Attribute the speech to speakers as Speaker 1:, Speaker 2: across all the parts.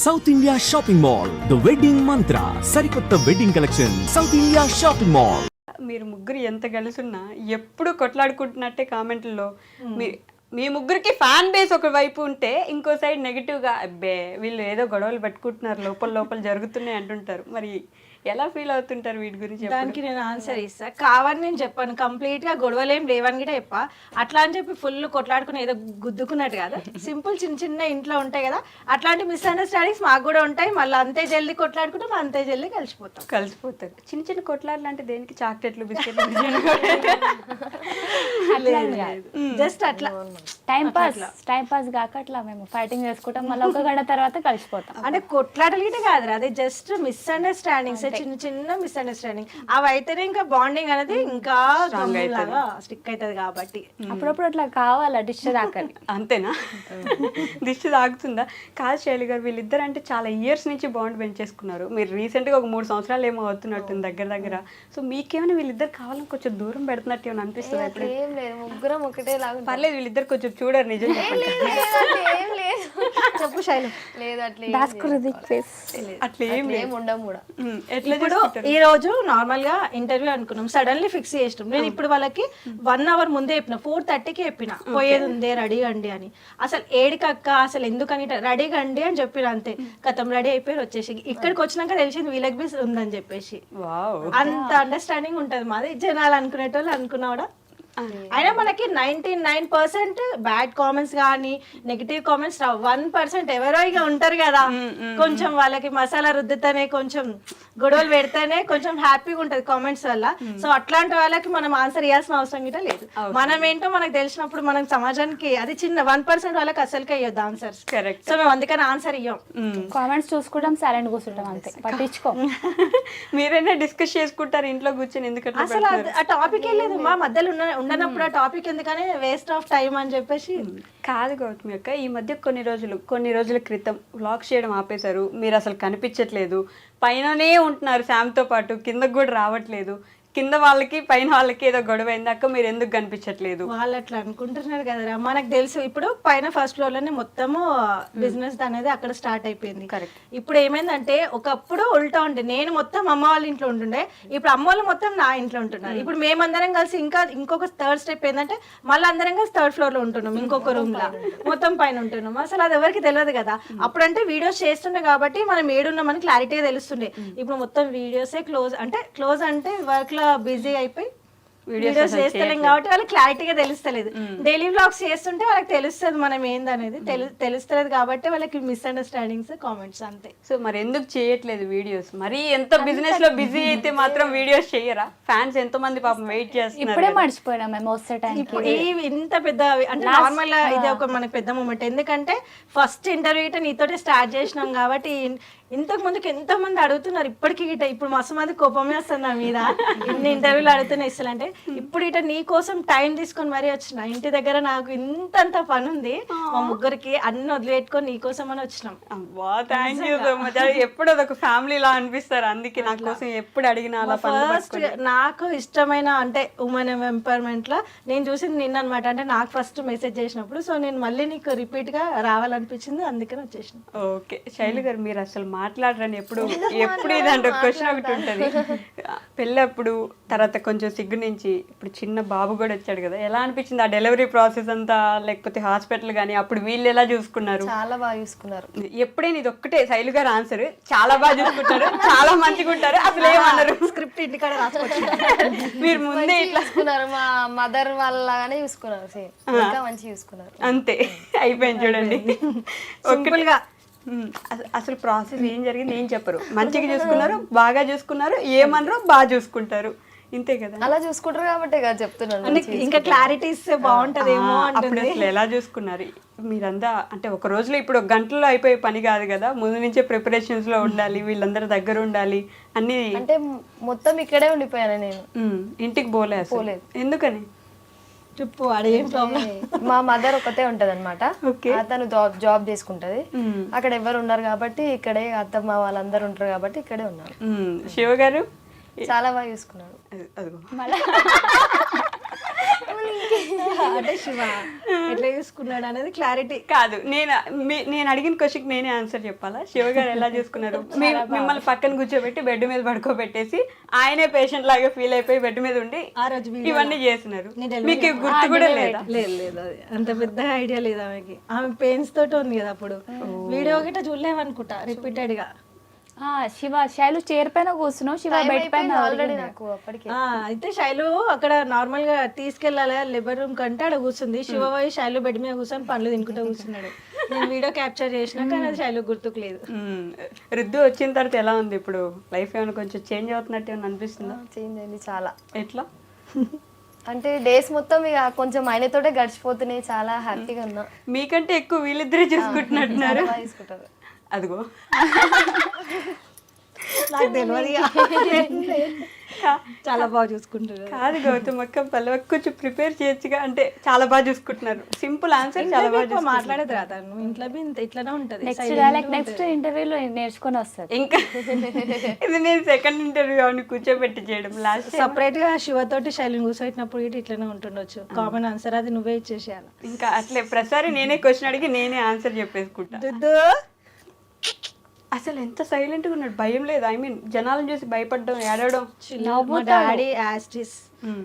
Speaker 1: South India shopping mall the wedding Mantra సరికొత్త wedding collection south India shopping mall.
Speaker 2: మీరు ముగ్గురు ఎంత కలిసి ఉన్నా ఎప్పుడు కొట్లాడుకుంటున్నట్టే కామెంట్లలో మీ ముగ్గురికి ఫ్యాన్ బేస్ ఒక వైపు ఉంటే ఇంకో సైడ్ నెగిటివ్గా అబ్బే వీళ్ళు ఏదో గొడవలు పెట్టుకుంటున్నారు లోపల లోపల జరుగుతున్నాయి అంటుంటారు. మరి ఎలా ఫీల్ అవుతుంటారు వీటి గురించి?
Speaker 3: దానికి నేను ఆన్సర్ ఇస్తా. కావని నేను చెప్పాను, కంప్లీట్ గా గొడవలేం లేవని కూడా చెప్పా. అట్లా అని చెప్పి ఫుల్ కొట్లాడుకుని ఏదో గుద్దుకున్నట్టు కదా, సింపుల్ చిన్న చిన్న ఇంట్లో ఉంటాయి కదా, అట్లాంటి మిస్అండర్స్టాండింగ్స్ మాకు కూడా ఉంటాయి. మళ్ళీ అంతే జల్దీ కొట్లాడుకుంటాం, అంతే జల్దీ కలిసిపోతారు.
Speaker 2: చిన్న చిన్న కొట్లాడలు అంటే దేనికి? చాక్లెట్లు బిస్కెట్లు
Speaker 3: జస్ట్ అట్లా
Speaker 4: టైం పాస్ కాక అట్లా మేము ఫైటింగ్ చేసుకుంటాం, మళ్ళీ ఒక గంట తర్వాత కలిసిపోతాం.
Speaker 3: అంటే కొట్లాటలు గిట్ట కాదు, అదే జస్ట్ మిస్అండర్స్టాండింగ్స్, చిన్న చిన్న మిస్అండర్స్టాండింగ్. అవి అయితేనే ఇంకా బాండింగ్ అనేది ఇంకా స్టిక్ అవుతుంది. కాబట్టి
Speaker 4: అప్పుడప్పుడు అట్లా కావాలా డిష్ దాకని.
Speaker 2: అంతేనా? దిష్టి తాగుతుందా? కాదు శైలి గారు, వీళ్ళిద్దరు అంటే చాలా ఇయర్స్ నుంచి బాండ్ పెంచేసుకున్నారు. మీరు రీసెంట్గా ఒక 3 సంవత్సరాలు ఏమో అవుతున్నట్టుంది దగ్గర. సో మీకేమైనా వీళ్ళిద్దరు కావాలని కొంచెం దూరం పెడుతున్నట్టు ఏమైనా అనిపిస్తుంది? అప్పుడు
Speaker 5: ఏం లేదు, ముగ్గురం ఒకటే లాగా.
Speaker 2: పర్లేదు, వీళ్ళిద్దరు కొంచెం చూడరు నిజం చెప్పండి.
Speaker 5: ఏం లేదు,
Speaker 3: చెప్పు శైలు.
Speaker 5: లేదు అట్లా
Speaker 2: అట్లా ఏం
Speaker 5: ఉండం కూడా.
Speaker 3: ఇప్పుడు ఈ రోజు నార్మల్ గా ఇంటర్వ్యూ అనుకున్నాం, సడన్లీ ఫిక్స్ చేసినాం. నేను ఇప్పుడు వాళ్ళకి 1 అవర్ ముందే చెప్పిన, 4:30కి చెప్పిన పోయేది ఉంది రెడీ అండి అని. అసలు ఏడికక్క అసలు ఎందుకని రెడీ అండి అని చెప్పిన, అంతే కథం రెడీ అయిపోయి వచ్చేసి ఇక్కడికి వచ్చినాక తెలిసింది వీళ్ళకి బి ఉందని చెప్పేసి. అంత అండర్స్టాండింగ్ ఉంటది మాది. జనాలు అనుకునేటోళ్ళు అనుకున్నా కూడా. అయినా మనకి 99% బ్యాడ్ కామెంట్స్ కానీ నెగిటివ్ కామెంట్స్ 1% ఎవరో ఇక ఉంటారు కదా, కొంచెం వాళ్ళకి మసాలా రుద్దుతేనే కొంచెం గొడవలు పెడితేనే కొంచెం హ్యాపీగా ఉంటది కామెంట్స్ వల్ల. సో అట్లాంటి వాళ్ళకి మనం ఆన్సర్ ఇవ్వాల్సిన అవసరం గిట్ట లేదు. మనం ఏంటో మనకు తెలిసినప్పుడు మనం సమాజానికి అది చిన్న 1% వాళ్ళకి అసలుకే ఇవ్వద్దు ఆన్సర్స్.
Speaker 2: కరెక్ట్.
Speaker 3: సో మేము అందుకని ఆన్సర్ ఇవ్వం,
Speaker 4: కామెంట్స్ చూసుకుంటాం, సైలెంట్ కూర్చుంటాం, అంతే పట్టించుకో.
Speaker 2: మీరైనా డిస్కస్ చేసుకుంటారు ఇంట్లో కూర్చొని? ఎందుకంటే
Speaker 3: అసలు ఆ టాపిక్ లేదు మా మధ్యలో ఉండనప్పుడు ఆ టాపిక్ ఎందుకని వేస్ట్ ఆఫ్ టైం అని చెప్పేసి.
Speaker 2: కాదు గౌతమి అక్క, ఈ మధ్య కొన్ని రోజుల క్రితం వ్లాగ్స్ చేయడం ఆపేశారు. మీరు అసలు కనిపించట్లేదు, పైననే ఉంటున్నారు శామ్తో పాటు, కిందకు కూడా రావట్లేదు. కింద వాళ్ళకి పైన వాళ్ళకి ఏదో గొడవ అయింది అక్క, మీరు ఎందుకు కనిపించట్లేదు?
Speaker 3: వాళ్ళు అట్లా అనుకుంటున్నారు కదరా, మనకు తెలుసు. ఇప్పుడు పైన ఫస్ట్ ఫ్లోర్ లోనే మొత్తము బిజినెస్ అనేది అక్కడ స్టార్ట్ అయిపోయింది.
Speaker 2: కరెక్ట్.
Speaker 3: ఇప్పుడు ఏమైందంటే ఒకప్పుడు ఉల్టా ఉండే, నేను మొత్తం అమ్మ వాళ్ళ ఇంట్లో ఉంటుండే, ఇప్పుడు అమ్మ వాళ్ళు మొత్తం నా ఇంట్లో ఉంటున్నారు. ఇప్పుడు మేమందరం కలిసి ఇంకొక థర్డ్ స్టెప్ ఏంటంటే మళ్ళీ అందరం కలిసి 3rd ఫ్లోర్ లో ఉంటున్నాం, ఇంకొక రూమ్ లా మొత్తం పైన ఉంటున్నాం. అసలు అది ఎవరికి తెలియదు కదా. అప్పుడంటే వీడియోస్ చేస్తుండే కాబట్టి మనం ఏడున్నామని క్లారిటీగా తెలుస్తుండే. ఇప్పుడు మొత్తం వీడియోసే క్లోజ్ అంటే వర్క్ బిజీ అయిపోయి వీడియోస్ చేస్తలేం కాబట్టి వాళ్ళకి క్లారిటీగా తెలుస్తలేదు. డైలీ వ్లాగ్స్ చేస్తుంటే వాళ్ళకి తెలుస్తుంది మనం ఏందనేది, తెలుస్తలేదు కాబట్టి వాళ్ళకి మిస్అండర్స్టాండింగ్స్ కామెంట్స్ అంతే.
Speaker 2: సో మరి ఎందుకు చేయట్లేదు వీడియోస్? మరి ఎంత బిజినెస్ లో బిజీ అయితే మాత్రం వీడియోస్ చేయరా? ఫ్యాన్స్ ఎంతో మంది పాపం వెయిట్ చేస్తున్నారు.
Speaker 4: ఇప్పుడే మర్చిపోయినా మేము వస్తే టైం.
Speaker 3: ఇంత పెద్ద అంటే నార్మల్ ఇది ఒక మనకి పెద్ద మూమెంట్. ఎందుకంటే ఫస్ట్ ఇంటర్వ్యూ నీతోటే స్టార్ట్ చేసినాం కాబట్టి ఇంతకు ముందుకు ఎంతో మంది అడుగుతున్నారు ఇప్పటికి గిట్ట. ఇప్పుడు మస్తు మంది కోపమే వస్తుంది నా మీద, ఇన్ని ఇంటర్వ్యూలు అడుగుతున్నా ఇస్తానంటే. ఇప్పుడు ఇట నీ కోసం టైం తీసుకొని మరీ వచ్చిన, ఇంటి దగ్గర నాకు ఇంతంత పని ఉంది, మా ముగ్గురికి అన్ని వదిలిపెట్టుకొని నీ కోసం అని వచ్చినాం.
Speaker 2: Thank you so much. ఎప్పుడు అదొక ఫ్యామిలీ లా అనిపిస్తారు, అందుకే నా కోసం ఎప్పుడు అడిగినా అలా.
Speaker 3: ఫస్ట్ నాకు ఇష్టమైన అంటే ఉమెన్ ఎంపవర్మెంట్ లా నేను చూసింది నిన్న అనమాట. అంటే నాకు ఫస్ట్ మెసేజ్ చేసినప్పుడు, సో నేను మళ్ళీ నీకు రిపీట్ గా రావాలనిపించింది, అందుకని వచ్చేసిన.
Speaker 2: ఓకే శైలు గారు, మీరు అసలు మాట్లాడరని ఎప్పుడు ఇదంటే క్వశ్చన్ ఒకటి ఉంటుంది. పెళ్ళప్పుడు తర్వాత కొంచెం సిగ్గు నుంచి ఇప్పుడు చిన్న బాబు కూడా వచ్చాడు కదా, ఎలా అనిపించింది ఆ డెలివరీ ప్రాసెస్ అంతా? లేకపోతే హాస్పిటల్ కానీ అప్పుడు వీళ్ళు ఎలా చూసుకున్నారు?
Speaker 5: చాలా బాగా చూసుకున్నారు.
Speaker 2: ఎప్పుడైనా ఇది ఒక్కటే శైలు గారు ఆన్సర్, చాలా బాగా చూసుకుంటారు, చాలా మంచిగా ఉంటారు, అసలు ఏమన్నారు?
Speaker 3: స్క్రిప్ట్ ఇంటికాడ రాసుకోవచ్చు.
Speaker 2: మీరు ముందే ఇట్లా
Speaker 5: చూసుకున్నారు, మా మదర్ వాళ్ళగానే చూసుకున్నారు, సేమ్ ఇంకా మంచిగా చూసుకున్నారు.
Speaker 2: అంతే అయిపోయింది చూడండి.
Speaker 3: సింపుల్ గా
Speaker 2: అసలు ప్రాసెస్ ఏం జరిగింది ఏం చెప్పరు, మంచిగా చూసుకున్నారు, బాగా చూసుకున్నారు, ఏమన్నారు బాగా చూసుకుంటారు, ఇంతే కదా.
Speaker 5: అలా చూసుకుంటారు కాబట్టి కదా చెప్తున్నాను.
Speaker 3: ఇంకా క్లారిటీస్ బాగుంటదేమో.
Speaker 2: అప్పుడు అసలు ఎలా చూసుకున్నారు మీరంతా? అంటే ఒక రోజులో ఇప్పుడు ఒక గంటలో అయిపోయే పని కాదు కదా, ముందు నుంచే ప్రిపరేషన్స్ లో ఉండాలి, వీళ్ళందరూ దగ్గర ఉండాలి అన్ని.
Speaker 5: అంటే మొత్తం ఇక్కడే ఉండిపోయాను నేను,
Speaker 2: ఇంటికి పోలేదు. ఎందుకని
Speaker 3: చెప్పు, అదేం ప్రాబ్లం?
Speaker 5: మా మదర్ ఒకతే ఉంటది అనమాట, తను జాబ్ చేసుకుంటది, అక్కడ ఎవరు ఉన్నారు కాబట్టి ఇక్కడే, అత్తమ్మ వాళ్ళందరూ ఉంటారు కాబట్టి ఇక్కడే ఉన్నారు.
Speaker 2: శివ గారు
Speaker 5: చాలా బాగా చూసుకున్నాడు.
Speaker 3: అంటే శివ ఎట్లా చూసుకున్నాడు అనేది క్లారిటీ.
Speaker 2: కాదు, నేను అడిగిన క్వశ్చన్కి నేనే ఆన్సర్ చెప్పాలా? శివ గారు ఎలా చూసుకున్నారు? మిమ్మల్ని పక్కన కూర్చోబెట్టి బెడ్ మీద పడుకోబెట్టేసి ఆయనే పేషెంట్ లాగా ఫీల్ అయిపోయి బెడ్ మీద ఉండి
Speaker 3: ఆ రోజు
Speaker 2: ఇవన్నీ చేస్తున్నారు. మీకు గుర్తు కూడా లేదా?
Speaker 3: లేదు అది అంత పెద్ద ఐడియా లేదు ఆమెకి. ఆమె పెయిన్స్ తోటి ఉంది కదా అప్పుడు. వీడియో గిట్ట చూడలేమనుకుంటా రిపీటెడ్ గా.
Speaker 4: శివ శైలు చైర్ పైన కూర్చున్నావు, శివ బెడ్ పైన
Speaker 5: ఆల్రెడీ నాకు అప్పటికి.
Speaker 3: అయితే శైలు అక్కడ నార్మల్ గా తీసుకెళ్లాలి లేబర్ రూమ్ కంటే అక్కడ కూర్చుంది. శివ పోయి శైలు బెడ్ మీద కూర్చొని పండ్లు తినుకుంటూ కూర్చున్నాడు. నేను వీడియో క్యాప్చర్ చేసినా కానీ అది శైలు గుర్తుకు లేదు.
Speaker 2: రుద్దు వచ్చిన తర్వాత ఎలా ఉంది ఇప్పుడు? లైఫ్ ఏమైనా కొంచెం చేంజ్ అవుతున్నట్టు ఏమైనా అనిపిస్తుందా?
Speaker 5: చేంజ్ అయింది చాలా.
Speaker 2: ఎట్లా
Speaker 5: అంటే డేస్ మొత్తం ఇక కొంచెం ఆయనతోటే గడిచిపోతున్నాయి. చాలా హ్యాపీగా ఉన్నా.
Speaker 2: మీకంటే ఎక్కువ వీళ్ళిద్దరే చూసుకుంటున్నట్టున్నారు.
Speaker 5: బాగా తీసుకుంటారు.
Speaker 2: అదిగో
Speaker 3: నాకు తెలియదు. చాలా బాగా చూసుకుంటారు.
Speaker 2: కాదు గౌతమ్ అక్క, పల్లవక్క కొంచెం ప్రిపేర్ చేయొచ్చుగా. అంటే చాలా బాగా చూసుకుంటున్నారు. సింపుల్ ఆన్సర్, చాలా బాగా
Speaker 3: మాట్లాడేది రా తను. ఇంట్లో ఇట్లానే ఉంటది.
Speaker 4: నెక్స్ట్ ఇంటర్వ్యూలో నేర్చుకొని వస్తుంది.
Speaker 2: ఇంకా ఇది నేను సెకండ్ ఇంటర్వ్యూ అని కూర్చోబెట్టి చేయడం. లాస్ట్
Speaker 3: సపరేట్ గా శివ తోటి శైలిని కూర్చోబెట్టినప్పుడు ఇటు ఇట్లానే ఉంటుండొచ్చు. కామన్ ఆన్సర్ అది నువ్వే ఇచ్చేసేయాలి.
Speaker 2: ఇంకా అట్లే ప్రతిసారి నేనే క్వశ్చన్ అడిగి నేనే ఆన్సర్ చెప్పేసుకుంటా. అసలు ఎంత సైలెంట్ గా ఉన్నాడు, భయం లేదు. ఐ మీన్ జనాలను చూసి భయపడడం, ఏడవడం.
Speaker 3: మా డాడీ యాస్టిస్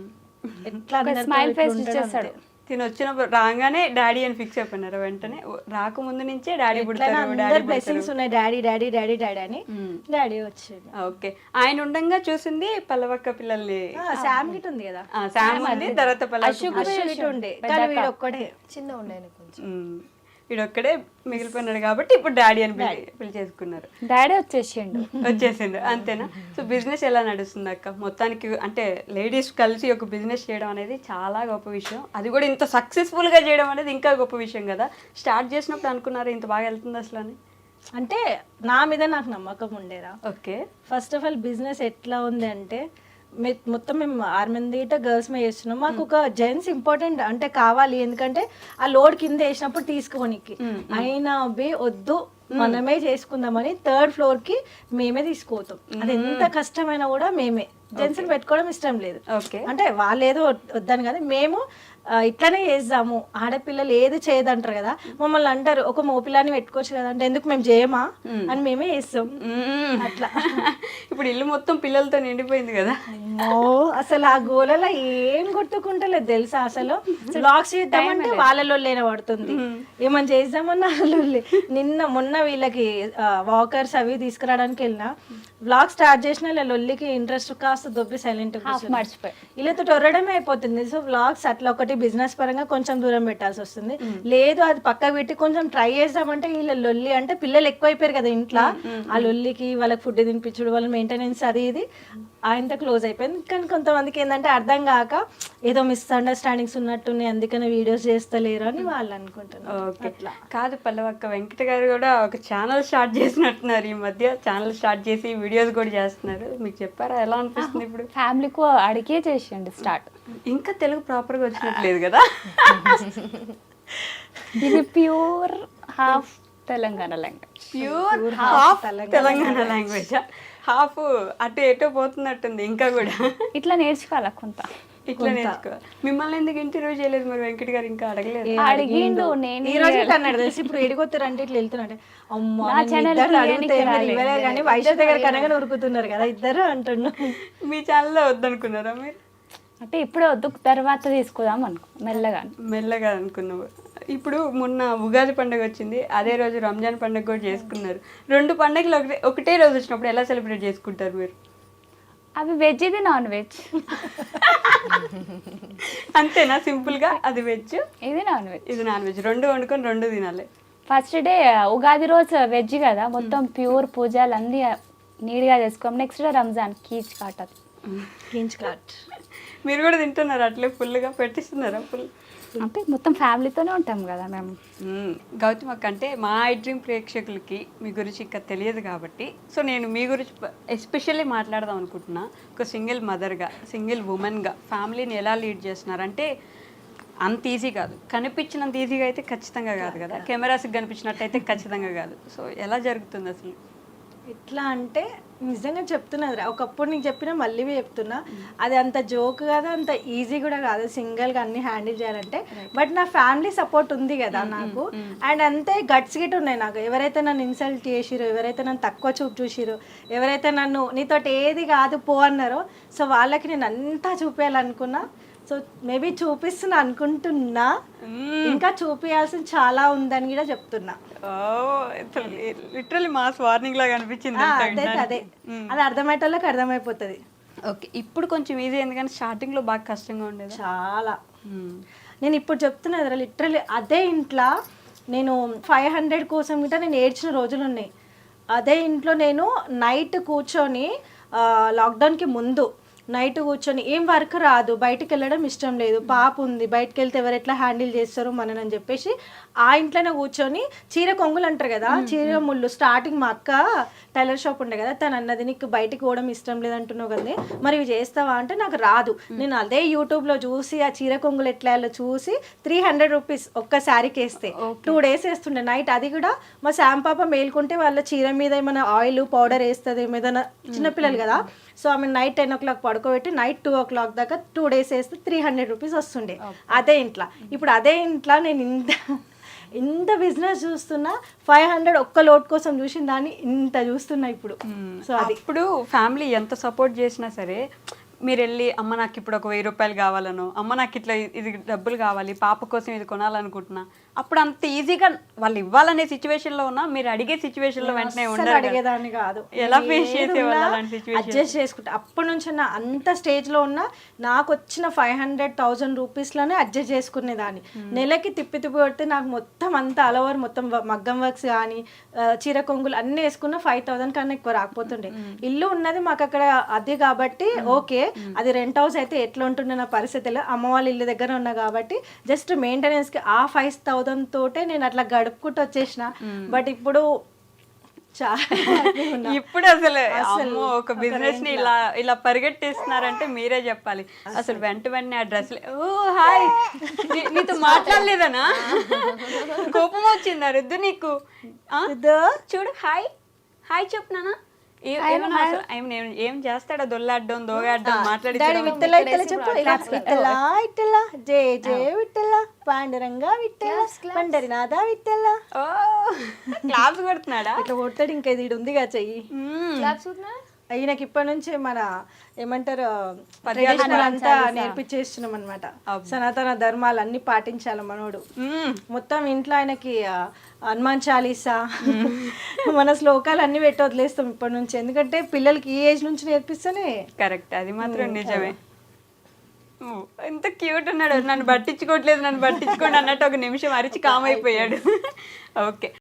Speaker 3: ఎట్లా
Speaker 4: స్మైల్ ఫేస్ ఇచ్చేస్తాడు.
Speaker 2: తిని వచ్చినప్పుడు రాగానే డాడీ అని ఫిక్స్ అయిపోయినారు. వెంటనే రాకముందు నుంచే డాడీ పుడతారు,
Speaker 3: బ్లెస్సింగ్స్ ఉన్నాయి డాడీ డాడీ డాడీ డాడీ అని డాడీ వచ్చేది.
Speaker 2: ఓకే, ఆయన ఉండంగా చూసింది పల్లవక్క పిల్లల్ని.
Speaker 3: శామ్ గిట్ ఉంది కదా,
Speaker 2: శామ్ ఉంది, తర్వాత పల్లవక్క
Speaker 3: ఉండే కానీ వీడు ఒక్కడే
Speaker 5: చిన్న ఉండే కొంచెం.
Speaker 2: వీడొక్కడే మిగిలిపోయినాడు కాబట్టి ఇప్పుడు డాడీ అని పిలిచేసుకున్నారు.
Speaker 4: డాడీ వచ్చేసిండు
Speaker 2: అంతేనా? సో బిజినెస్ ఎలా నడుస్తుంది అక్క మొత్తానికి? అంటే లేడీస్ కలిసి ఒక బిజినెస్ చేయడం అనేది చాలా గొప్ప విషయం. అది కూడా ఇంత సక్సెస్ఫుల్ గా చేయడం అనేది ఇంకా గొప్ప విషయం కదా. స్టార్ట్ చేసినప్పుడు అనుకున్నారు ఇంత బాగా వెళ్తుంది అసలు అని?
Speaker 3: అంటే నా మీద నాకు నమ్మకం ఉండేరా.
Speaker 2: Okay,
Speaker 3: first of all business ఎట్లా ఉంది అంటే మొత్తం మేము 6 మంది గర్ల్స్ మీద చేస్తున్నాం. మాకు ఒక జెంట్స్ ఇంపార్టెంట్ అంటే కావాలి, ఎందుకంటే ఆ లోడ్ కింద వేసినప్పుడు తీసుకోనికి. అయినా బే వద్దు మనమే చేసుకుందామని 3rd ఫ్లోర్ కి మేమే తీసుకోతాం. అది ఎంత కష్టమైనా కూడా మేమే. జెంట్స్ పెట్టుకోవడం ఇష్టం లేదు. అంటే వాళ్ళు ఏదో వద్దని కదా, మేము ఇట్లానే చేద్దాము. ఆడపిల్లలు ఏది చేయదంటారు కదా, మమ్మల్ని అంటారు ఒక మోపిల్లాన్ని పెట్టుకోవచ్చు కదా అంటే ఎందుకు మేము చేయమా అని మేమే చేస్తాం. అట్లా
Speaker 2: ఇప్పుడు ఇల్లు మొత్తం పిల్లలతో నిండిపోయింది కదా.
Speaker 3: అసలు ఆ గోలలో ఏం కొట్టుకుంటలేదు తెలుసా. అసలు బ్లాగ్స్ చేద్దామంటే వాళ్ళలో లేన పడుతుంది, ఏమని చేద్దామన్నా వాళ్ళే. మొన్న వీళ్ళకి వాకర్స్ అవి తీసుకురావడానికి వెళ్ళినా బ్లాగ్ స్టార్ట్ చేసిన ఇలా లొల్లికి ఇంట్రెస్ట్ కాస్త దొబ్బి సైలెంట్
Speaker 4: మర్చిపోయి
Speaker 3: వీళ్ళతో టొరడమే అయిపోతుంది. సో బ్లాగ్స్ అట్లా ఒకటి బిజినెస్ పరంగా కొంచెం దూరం పెట్టాల్సి వస్తుంది. లేదు అది పక్క పెట్టి కొంచెం ట్రై చేద్దామంటే వీళ్ళ లొల్లి అంటే పిల్లలు ఎక్కువైపోయారు కదా ఇంట్లో, ఆ లొల్లికి వాళ్ళకి ఫుడ్ తినిపించడం, వాళ్ళ మెయింటెనెన్స్ అది ఇది ఆయనతో క్లోజ్ అయిపోయింది. కానీ కొంతమందికి ఏంటంటే అర్థం కాక ఏదో మిస్అండర్స్టాండింగ్స్ ఉన్నట్టున్నాయి అందుకనే వీడియోస్ చేస్తలేరు అని వాళ్ళు అనుకుంటున్నారు.
Speaker 2: అట్లా కాదు పల్లవక్క, వెంకట గారు కూడా ఒక ఛానల్ స్టార్ట్ చేసినట్టున్నారు ఈ మధ్య. ఛానల్ స్టార్ట్ చేసి వీడియోస్ కూడా చేస్తున్నారు. మీకు చెప్పారా ఎలా అనిపిస్తుంది ఇప్పుడు?
Speaker 4: ఫ్యామిలీకు అడిగే చేసేయండి స్టార్ట్.
Speaker 2: ఇంకా తెలుగు ప్రాపర్గా వచ్చినట్లేదు కదా.
Speaker 4: ఇది pure half Telangana language.
Speaker 2: Pure half Telangana language, half అటు ఎటో పోతున్నట్టుంది. ఇంకా కూడా
Speaker 4: ఇట్లా నేర్చుకోవాలి కొంత.
Speaker 2: ఇట్లా నేర్చుకోవాలి. మిమ్మల్ని ఎందుకు ఇంటర్వ్యూ చేయలేదు మరి వెంకట్ గారు? ఇంకా అడగలేదు?
Speaker 4: అడిగిండు. నేను
Speaker 3: ఈ రోజు అన్నాడు తెలిసి ఇప్పుడు ఎడిగొత్తారంటే ఇట్లా వెళ్తున్నాడు. అమ్మా కానీ వైశాఖ దగ్గర కనగా ఉరుకుతున్నారు కదా ఇద్దరు అంటున్నా.
Speaker 2: మీ ఛానల్లో వద్దనుకున్నారా మీరు?
Speaker 4: అంటే ఇప్పుడే వద్దు, తర్వాత తీసుకుందాం అనుకో మెల్లగా
Speaker 2: అనుకున్నావు. ఇప్పుడు మొన్న ఉగాది పండుగ వచ్చింది, అదే రోజు రంజాన్ పండుగ కూడా చేసుకున్నారు. 2 పండుగలు ఒకటే రోజు వచ్చినప్పుడు ఎలా సెలబ్రేట్ చేసుకుంటారు మీరు?
Speaker 4: అవి వెజ్, ఇది నాన్ వెజ్.
Speaker 2: అంతేనా? సింపుల్ గా అది వెజ్,
Speaker 4: ఇది నాన్ వెజ్.
Speaker 2: ఇది నాన్ వెజ్, 2 వండుకొని 2 తినాలి.
Speaker 4: ఫస్ట్ డే ఉగాది రోజు వెజ్ కదా, మొత్తం ప్యూర్ పూజలు అన్నీ నీట్గా చేసుకోం. నెక్స్ట్ డే రంజాన్ కీచ్ కాట్.
Speaker 2: మీరు కూడా తింటున్నారు అట్లే ఫుల్గా పెట్టిస్తున్నారా? ఫుల్
Speaker 4: అంటే మొత్తం ఫ్యామిలీతోనే ఉంటాం కదా మేము.
Speaker 2: గౌతమ్ అక్క, అంటే మా ఐ డ్రీమ్ ప్రేక్షకులకి మీ గురించి ఇంకా తెలియదు కాబట్టి సో నేను మీ గురించి ఎస్పెషల్లీ మాట్లాడదాం అనుకుంటున్నా. ఒక సింగిల్ మదర్గా, సింగిల్ ఉమెన్గా ఫ్యామిలీని ఎలా లీడ్ చేస్తున్నారంటే అంత ఈజీ కాదు. కనిపించినంత ఈజీగా అయితే ఖచ్చితంగా కాదు కదా, కెమెరాస్కి కనిపించినట్టయితే ఖచ్చితంగా కాదు. సో ఎలా జరుగుతుంది అసలు?
Speaker 3: ఎట్లా అంటే నిజంగా చెప్తున్నది ఒకప్పుడు నీకు చెప్పినా మళ్ళీ చెప్తున్నా, అది అంత జోక్ కాదు, అంత ఈజీ కూడా కాదు సింగిల్గా అన్ని హ్యాండిల్ చేయాలంటే. బట్ నా ఫ్యామిలీ సపోర్ట్ ఉంది కదా నాకు, అండ్ అంతే గట్స్ గిట్ ఉన్నాయి నాకు. ఎవరైతే నన్ను ఇన్సల్ట్ చేసిరో, ఎవరైతే నన్ను తక్కువ చూపు చూసిరో, ఎవరైతే నన్ను నీతోటి ఏది కాదు పో అన్నారో, సో వాళ్ళకి నేను అంతా చూపించాలనుకున్నా. సో మేబీ చూపిస్తున్నా అనుకుంటున్నా, ఇంకా చూపించాల్సింది చాలా ఉందని కూడా చెప్తున్నా.
Speaker 2: లిటరల్లీ మాస్ వార్నింగ్ లాగా అనిపించింది.
Speaker 3: అదే అది అర్థమయ్యేటోళ్ళకి అర్థమైపోతుంది.
Speaker 2: ఓకే, ఇప్పుడు కొంచెం ఈజీ ఎందుకంటే స్టార్టింగ్ లో బాగా కష్టంగా ఉండేది.
Speaker 3: చాలా నేను ఇప్పుడు చెప్తున్నా కదా, లిటరల్లీ అదే ఇంట్లో నేను 500 కోసం గిట్ట నేను ఏడ్చిన రోజులు ఉన్నాయి. అదే ఇంట్లో నేను నైట్ కూర్చొని లాక్డౌన్కి ముందు నైట్ కూర్చొని ఏం వర్క్ రాదు, బయటకు వెళ్ళడం ఇష్టం లేదు, పాప ఉంది, బయటకు వెళ్తే ఎవరు ఎట్లా హ్యాండిల్ చేస్తారో మనని చెప్పేసి ఆ ఇంట్లోనే కూర్చొని చీర కొంగులు అంటారు కదా, చీర ముళ్ళు. స్టార్టింగ్ మా అక్క టైలర్ షాప్ ఉండే కదా, తను అన్నది నీకు బయటికి పోవడం ఇష్టం లేదంటున్నావు కదా, మరి ఇవి చేస్తావా అంటే నాకు రాదు. నేను అదే యూట్యూబ్లో చూసి ఆ చీర కొంగులు ఎట్లా చూసి 300 రూపీస్ ఒక్క శారీకి వేస్తే 2 days వేస్తుండే నైట్. అది కూడా మా శామ్ పాప మేల్కుంటే వాళ్ళ చీర మీద ఏమైనా ఆయిల్ పౌడర్ వేస్తుంది, ఏదైనా చిన్నపిల్లలు కదా, సో ఆమె నైట్ 10 o'clock పడుకోబెట్టి నైట్ 2 o'clock దాకా 2 days వేస్తే 300 రూపీస్ వస్తుండే అదే ఇంట్లో. ఇప్పుడు అదే ఇంట్లో నేను ఇంత బిజినెస్ చూస్తున్నా, 500 ఒక్క లోట్ కోసం చూసిన దాన్ని ఇంత చూస్తున్నా ఇప్పుడు. సో అది
Speaker 2: ఇప్పుడు ఫ్యామిలీ ఎంత సపోర్ట్ చేసినా సరే, మీరు వెళ్ళి అమ్మ నాకు ఇప్పుడు ఒక 1000 రూపాయలు కావాలను, అమ్మ నాకు ఇట్లా ఇది డబ్బులు కావాలి, పాప కోసం ఇది కొనాలనుకుంటున్నా, అప్పుడు అంత ఈజీగా వాళ్ళు ఇవ్వాలనే సిచ్యువేషన్ లో ఉన్నా మీరు అడిగే సిచ్యువేషన్ లో వెంటనే ఉండరు.
Speaker 3: అడిగేదాన్ని కాదు,
Speaker 2: ఎలా ఫేస్ చేసేవాళ్ళు అలాంటి సిచ్యువేషన్?
Speaker 3: అడ్జస్ట్ చేసుకుంటా. అప్పటి నుంచి నా అంత స్టేజ్ లో ఉన్నా నాకు వచ్చిన 500,000 రూపీస్ లోనే అడ్జస్ట్ చేసుకునేదాన్ని. నెలకి తిప్పి కొడితే నాకు మొత్తం అంతా ఆల్ ఓవర్ మొత్తం మగ్గం వర్క్స్ కానీ చీర కొంగులు అన్ని వేసుకున్న 5,000 కన్నా ఎక్కువ రాకపోతుండే. ఇల్లు ఉన్నది మాకు అక్కడ అది కాబట్టి ఓకే, అది రెంట్ హౌస్ అయితే ఎట్లా ఉంటుండే నా పరిస్థితిలో, అమ్మ వాళ్ళ ఇల్లు దగ్గర ఉన్నా కాబట్టి జస్ట్ మెయింటెనెన్స్ కి ఆ 5,000 తోటే నేను అట్లా గడుపుకుంటూ వచ్చేసిన. బట్ ఇప్పుడు
Speaker 2: ఇప్పుడు అసలు అమ్మో ఒక బిజినెస్ ని ఇలా పరిగెట్టేస్తున్నారంటే మీరే చెప్పాలి. అసలు వెంటనే ఆ డ్రెస్ ఓ హాయ్ నీతో మాట్లాడలేదనా, కోపం వచ్చిందా రుద్దు నీకు? చూడు హాయ్ హాయ్ చెప్తున్నానా, ఏం చేస్తాడా, దొల్లాడ్డం దోగాడ్డం మాట్లాడి
Speaker 3: జే జే విట్టల పాండురంగా విట్టల పండరినాథ విట్టల
Speaker 2: క్లాప్స్ కొడుతున్నాడా?
Speaker 3: ఇట్లా కొడతాడు. ఇంకా ఇది ఉందిగా చెయ్యి ఈయనకి ఇప్పటి నుంచి మన ఏమంటారు అంతా నేర్పించేస్తున్నాం అనమాట. సనాతన ధర్మాలు అన్ని పాటించాలి మనోడు. మొత్తం ఇంట్లో ఆయనకి హనుమాన్ చాలీసా మన శ్లోకాలు అన్ని పెట్టి వదిలేస్తాం ఇప్పటి నుంచి, ఎందుకంటే పిల్లలకి ఈ ఏజ్ నుంచి నేర్పిస్తేనే
Speaker 2: కరెక్ట్. అది మాత్రం నిజమే. ఎంత క్యూట్ ఉన్నాడు, నన్ను పట్టించుకోవట్లేదు నన్ను పట్టించుకోండి అన్నట్టు ఒక నిమిషం అరిచి కామ్ అయిపోయాడు. ఓకే.